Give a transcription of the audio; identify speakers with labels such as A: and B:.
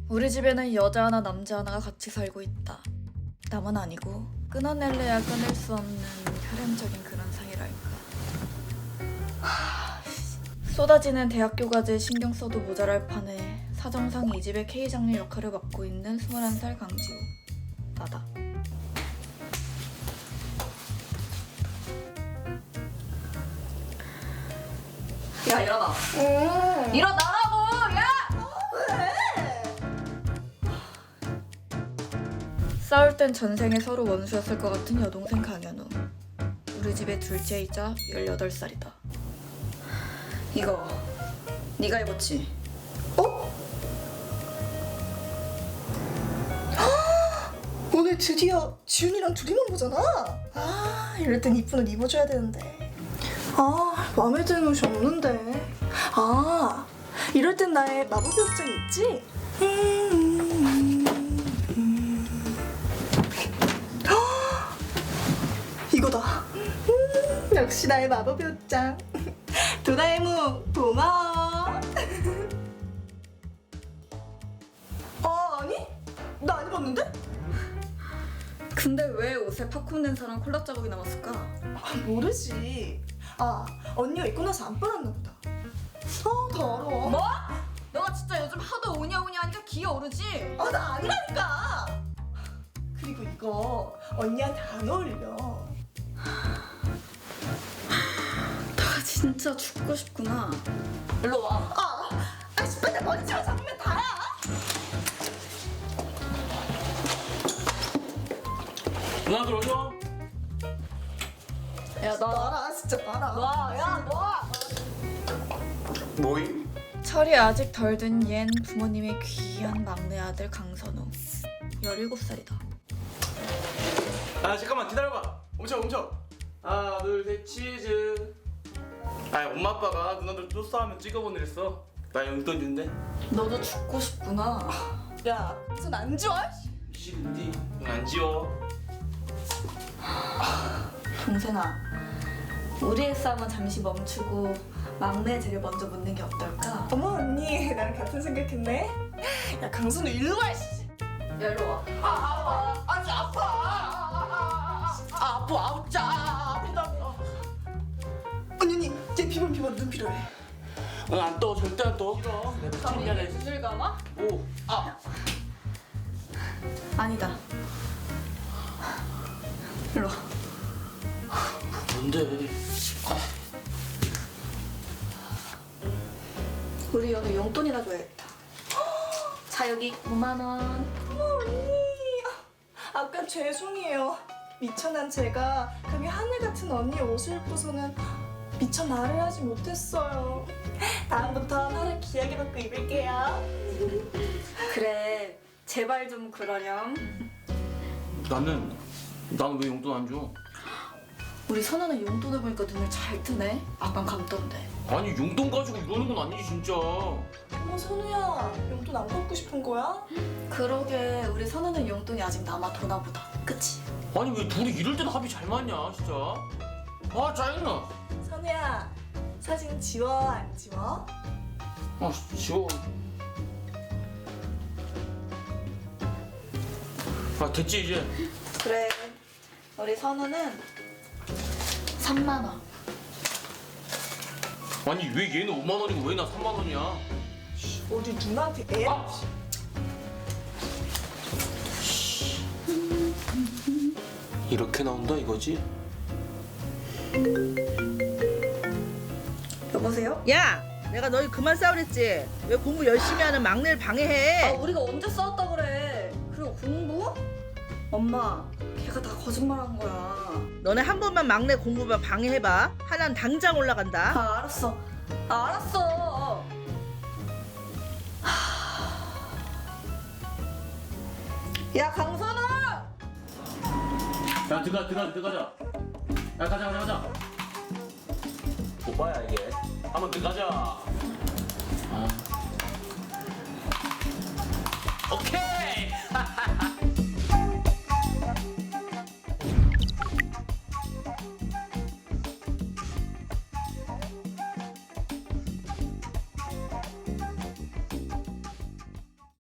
A: 우리 집에는 여자 하나 남자 하나가 같이 살고 있다. 남은 아니고 끊어낼래야 끊을 수 없는 혈연적인 그런 사이랄까. 쏟아지는 대학교 과제에 신경 써도 모자랄 판에 사정상 이 집의 K장녀 역할을 맡고 있는 21살 강지우. 나다. 야, 일어나. 일어나라고! 야! 싸울 땐 전생에 서로 원수였을 것 같은 여동생 강현우. 우리 집의 둘째이자 18살이다. 이거 네가 입었지?
B: 어? 오늘 드디어 지훈이랑 둘이만 보잖아. 아, 이럴 땐 이쁜 옷 입어줘야 되는데. 아, 마음에 드는 옷이 없는데. 아, 이럴 땐 나의 마법의 옷장이 있지? 이거다. 역시 나의 마법의 옷장. 도라에몽 고마워. 아니? 나 안 입었는데?
A: 근데 왜 옷에 팝콘 낸 사람 콜라 자국이 남았을까?
B: 모르지. 아, 언니가 입고 나서 안 빨았나 보다. 더러워.
A: 뭐? 너가 진짜 요즘 하도 오냐오냐 하니까 기어 오르지?
B: 나 아니라니까. 그리고 이거 언니한테 안 어울려.
A: 나 진짜 죽고 싶구나. 일로 와.
B: 아, 10분 때 머리채만 잡으면 다야.
C: 누나들 어디 와?
A: 야,
B: 놔라, 진짜 놔라.
A: 놔. 야, 놔.
C: 뭐임?
A: 철이 아직 덜 든 얜 부모님의 귀한 막내 아들 강선우. 17살이다.
C: 아 잠깐만 기다려봐. 멈춰. 하나 둘 셋 치즈. 아 엄마 아빠가 누나들 또 싸우면 찍어보내랬어. 나 용돈 준대.
A: 너도 죽고 싶구나.
B: 야, 손 안 지워?
C: 싫은디? 안 지워.
A: 동생아, 우리의 싸움은 잠시 멈추고 막내 쟤를 먼저 묻는 게 어떨까?
B: 어머, 언니, 나랑 같은 생각했네. 야, 강선우 일로 와, 씨.
A: 야, 일로 와.
B: 아니, 아파. 아프다. 언니, 얘 비번 눈 필요해.
C: 안 떠. 절대 안 떠. 싫어. 내가 참견해.
A: 눈을 감아?
C: 오.
A: 아니다. 일로 와.
C: 뭔데?
A: 우리 오늘 용돈이나 줘야겠다. 자, 여기 5만 원.
B: 어머, 언니. 아까 죄송해요. 미천한 제가 감히 하늘 같은 언니 옷을 입고서는 미처 말을 하지 못했어요. 다음부터 하늘 귀하게 받고 입을게요.
A: 그래, 제발 좀 그러렴.
C: 나는 왜 용돈 안 줘?
A: 우리 선우는 용돈을 보니까 눈을 잘 뜨네. 아깐 감던데.
C: 아니 용돈 가지고 이러는 건 아니지 진짜.
B: 어머, 선우야. 용돈 안 받고 싶은 거야?
A: 그러게, 우리 선우는 용돈이 아직 남아 도나 보다. 그치?
C: 아니 왜 둘이 이럴 때는 합이 잘 맞냐 진짜. 아 짜증나.
B: 선우야, 사진 지워, 안 지워?
C: 아 지워. 아 됐지 이제.
A: 그래, 우리 선우는 3만 원.
C: 아니 왜 얘는 5만 원이고 왜 나 3만 원이야?
B: 어디 누나한테 애?
C: 이렇게 나온다 이거지?
A: 여보세요?
D: 야, 내가 너희 그만 싸우랬지? 왜 공부 열심히 하는 막내를 방해해?
A: 우리가 언제 싸웠다 그래. 그리고 공부? 엄마, 걔가 다 거짓말한 거야.
D: 너네 한 번만 막내 공부만 방해해봐. 하나는 당장 올라간다.
A: 알았어. 알았어. 야, 강선아!
C: 야 들어가자. 야 가자. 오빠야 이게. 한번 들어가자. 오케이.